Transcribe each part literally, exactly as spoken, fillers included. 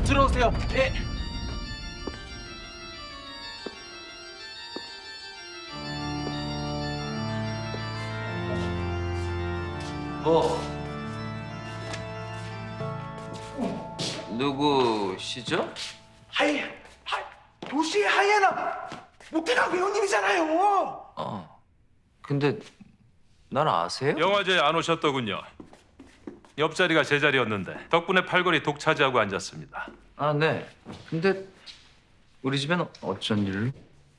들어오세요. 예. 뭐? 누구시죠? 하이, 하, 도시의 하이에나 목태강 배우님이잖아요. 어. 근데 날 아세요? 영화제에 안 오셨더군요. 옆자리가 제 자리였는데 덕분에 팔걸이 독차지하고 앉았습니다. 아, 네. 근데 우리 집엔 어쩐 일로?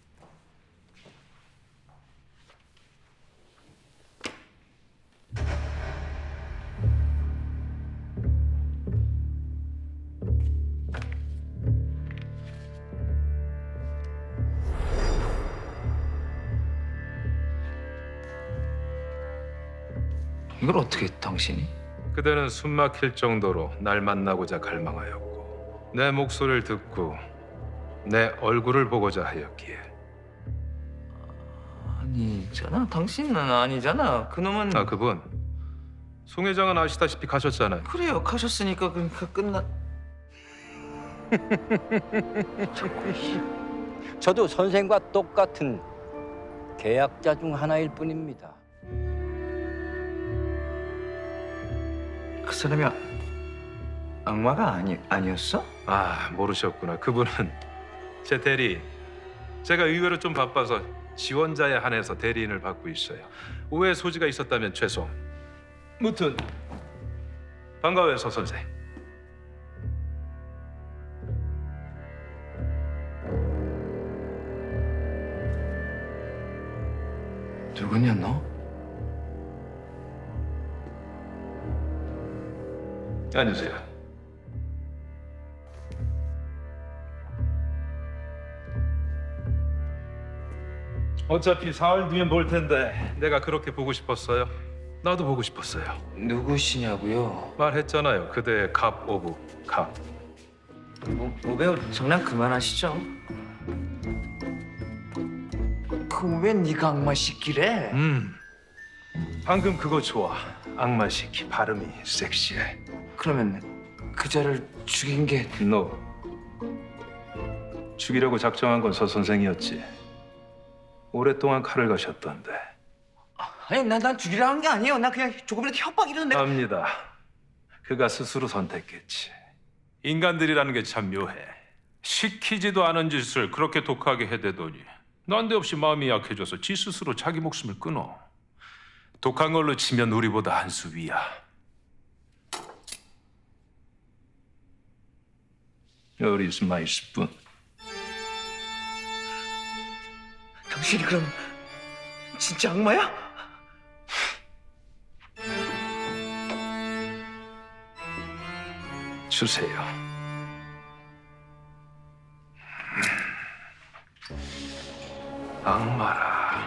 이걸 어떻게 당신이? 그대는 숨막힐 정도로 날 만나고자 갈망하였고 내 목소리를 듣고 내 얼굴을 보고자 하였기에 아니잖아. 당신은 아니잖아. 그놈은 아 그분 송 회장은 아시다시피 가셨잖아요. 그래요. 가셨으니까 그러니까 끝나. 저도 선생과 똑같은 계약자 중 하나일 뿐입니다. 그 사람이 아- 악마가 아니 아니었어? 아 모르셨구나. 그분은 제 대리인. 제가 의외로 좀 바빠서 지원자에 한해서 대리인을 받고 있어요. 오해 소지가 있었다면 죄송. 무튼 반가워요, 서 선생. 누구냐 너? 앉으세요. 어차피 사흘 뒤엔 볼 텐데 내가 그렇게 보고 싶었어요. 나도 보고 싶었어요. 누구시냐고요? 말했잖아요. 그대의 갑 오브 갑. 뭐, 뭐 배우 장난 그만하시죠. 그왜 네가 악마 시키래? 음. 방금 그거 좋아. 악마 시키 발음이 섹시해. 그러면 그자를 죽인 게 너 죽이려고 작정한 건 서 선생이었지. 오랫동안 칼을 가셨던데. 아니 난, 난 죽이려 한 게 아니에요. 나 그냥 조금이라도 협박이라도 내가 압니다. 그가 스스로 선택했지. 인간들이라는 게 참 묘해. 시키지도 않은 짓을 그렇게 독하게 해대더니 난데없이 마음이 약해져서 지 스스로 자기 목숨을 끊어. 독한 걸로 치면 우리보다 한 수 위야. Where is my spoon? 당신이 그럼 진짜 악마야? 주세요. 악마라.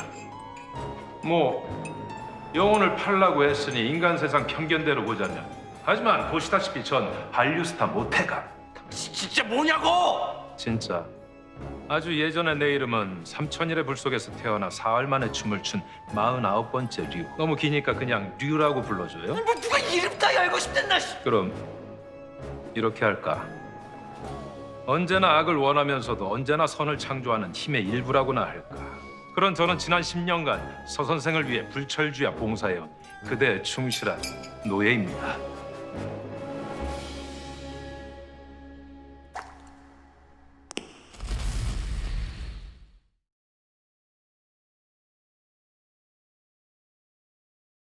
뭐 영혼을 팔라고 했으니 인간 세상 편견대로 보자면. 하지만 보시다시피 전 한류스타 모태가. 지, 진짜 뭐냐고! 진짜. 아주 예전에 내 이름은 삼천일의 불 속에서 태어나 사흘 만에 춤을 춘 마흔아홉 번째 류. 너무 기니까 그냥 류라고 불러줘요. 뭐 누가 이름 따위 알고 싶댔나? 씨. 그럼 이렇게 할까? 언제나 악을 원하면서도 언제나 선을 창조하는 힘의 일부라고나 할까? 그런 저는 지난 십 년간 서 선생을 위해 불철주야 봉사해온 그대의 충실한 노예입니다.